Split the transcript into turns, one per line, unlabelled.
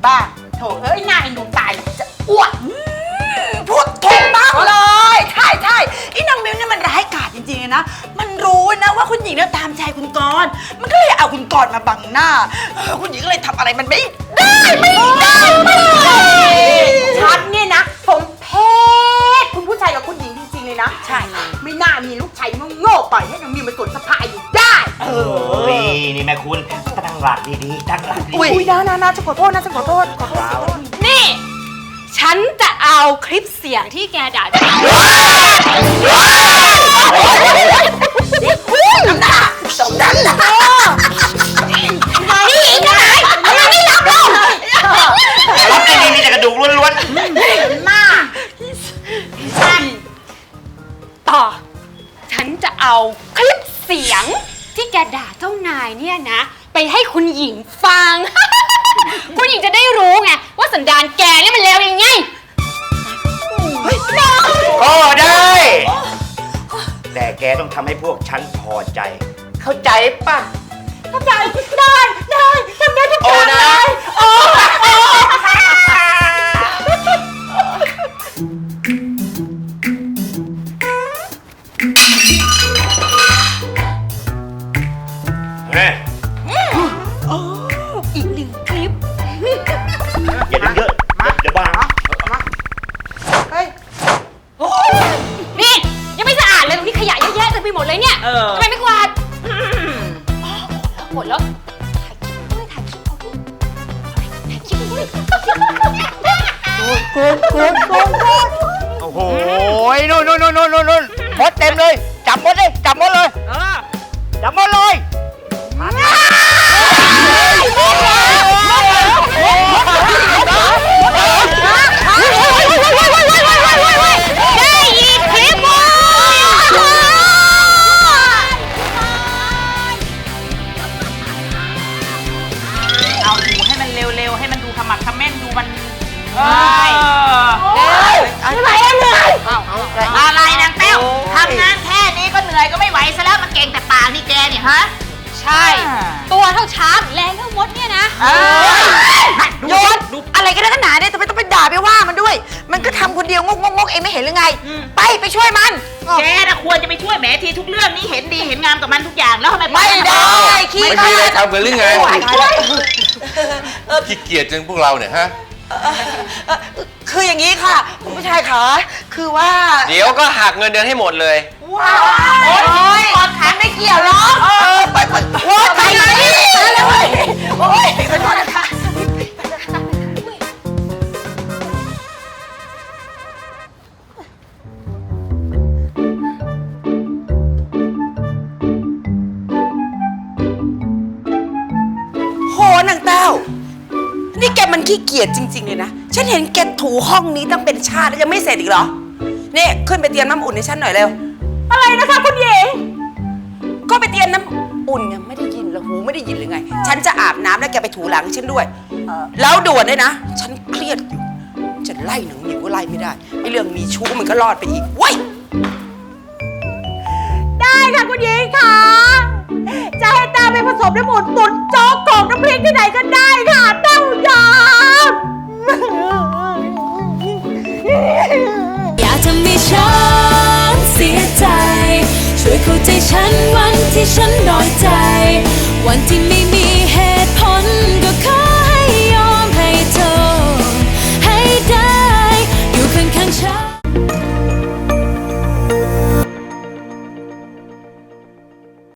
บ้างโถเอ้ยหน้าเอ็นดูตายจะอ้วนพูดถูกมากเลยใช่ใช่ไอ้นางมิวเนี่ยมันร้ายกาจจริงๆนะมันรู้นะว่าคุณหญิงเนี่ยตามใจคุณกรณ์มันก็เลยเอาคุณกรณ์มาบังหน้าคุณหญิงก็เลยทำอะไรมันไม่ได้ฉันเนี่ยนะผมเพศคุณผู้ชายกับคุณหญิงจริงๆเลยนะใช่ไม่น่ามีลูกชายโง่ๆปล่อยให้นางมิวมาสวนสะพายอยู่ได้
นี่แม่คุณตั้งหลักดีๆตั้งหลักดีๆ
อุ้ยนะจะขอโทษนะจะขอโทษ
นี่ฉันจะเอาคลิปเสียงที่แกด่าฉัน
สมดันล่ะ
นี่อีกไหนมันไม่รับเรา
รับได้ดีมีแต่กระดูกล้วน
ๆมาก
ต่อฉันจะเอาคลิปเสียงที่แกด่าเจ้านายเนี่ยนะไปให้คุณหญิงฟัง คุณหญิงจะได้รู้ไงว่าสันดานแกเนี่ยมันเลวยังไง
ก็ได้ แต่แกต้องทำให้พวกฉันพอใจเข้าใจป่ะ
เข้าใจได้ทำได้ทุกอย่างเลย
อีกหนึ่งคลิป
อย่าดึงเยอะเดี๋ยวบ้า
นี่ยังไม่สะอาดเลยตรงนี้ขยะเยอะแยะเต็มไปหมดเลยเนี่ยทำไมไม่กวาดหมดแล้วถ่ายคลิปด้วย
โอ้โหนู่นมดเต็มเลยจับมดเลยจับมดเลย
ได้อีกคลิปว่ะ
เอาดูให้มันเร็วๆให้มันดูขมักเขม้นดูมันทำไมเหนื่อยอะไรนางเต้วทำงานแค่นี้ก็เหนื่อยก็ไม่ไหวซะแล้วมาเก่งแต่ปากนี่แกเนี่ยฮะ
ใช่ตัวเท่าช้างแรงเท่ามดเนี่ยนะ
โยนอะไรกันนักหนาเนี่ยทำไมต้องไปด่าไปว่ามันด้วยมันก็ทำคนเดียวงกเองไม่เห็นหรือไงไปช่วยมันแกน่ะควรจะไปช่วยแหมทีทุกเรื่องนี่เห็นดีเห็นงามกับมันทุกอย่างแล้วทำไมไม่ได้
ไม่มีอะไรทำกันหรือไงขี้เกียจจังพวกเราเนี่ยฮะ
คืออย่างนี้ค่ะคุณผู้ชายขาคือว่า
เดี๋ยวก็หักเงินเดือนให้หมดเลย
ว้าวโอ้ยก่อนขันไม่เกี่ยวหรอกไปว่าไปไหนโอ้ยขอโทษนะคะโหนางเต้านี่แกมันขี้เกียจจริงๆเลยนะฉันเห็นแกถูห้องนี้ตั้งเป็นชาติแล้วยังไม่เสร็จอีกเหรอนี่ขึ้นไปเตรียมน้ำอุ่นให้ฉันหน่อยเร็วอะไรนะคะคุณหญิงก็ไปเตรียมน้ำอุ่นยังไม่ได้ยินเหรอหูไม่ได้ยินหรือไงฉันจะอาบน้ำแล้วแกไปถูหลังฉันด้วยแล้วด่วนด้วยนะฉันเครียดอยู่จะไล่หนังหนิวก็ไล่ไม่ได้ไอ้เรื่องมีชู้มันก็รอดไปอีกว้ยได้ค่ะคุณหญิงค่ะจะให้ตาไปผสมน้ำอุ่นตุ๋นโจ๊กกอกน้ำพริกที่ไหนก็ได้ค่ะเต้ายาม
อย่าทำให้ฉันเสียใจช่วยเข้าใจฉันวันที่ฉันน้อยใจวันที่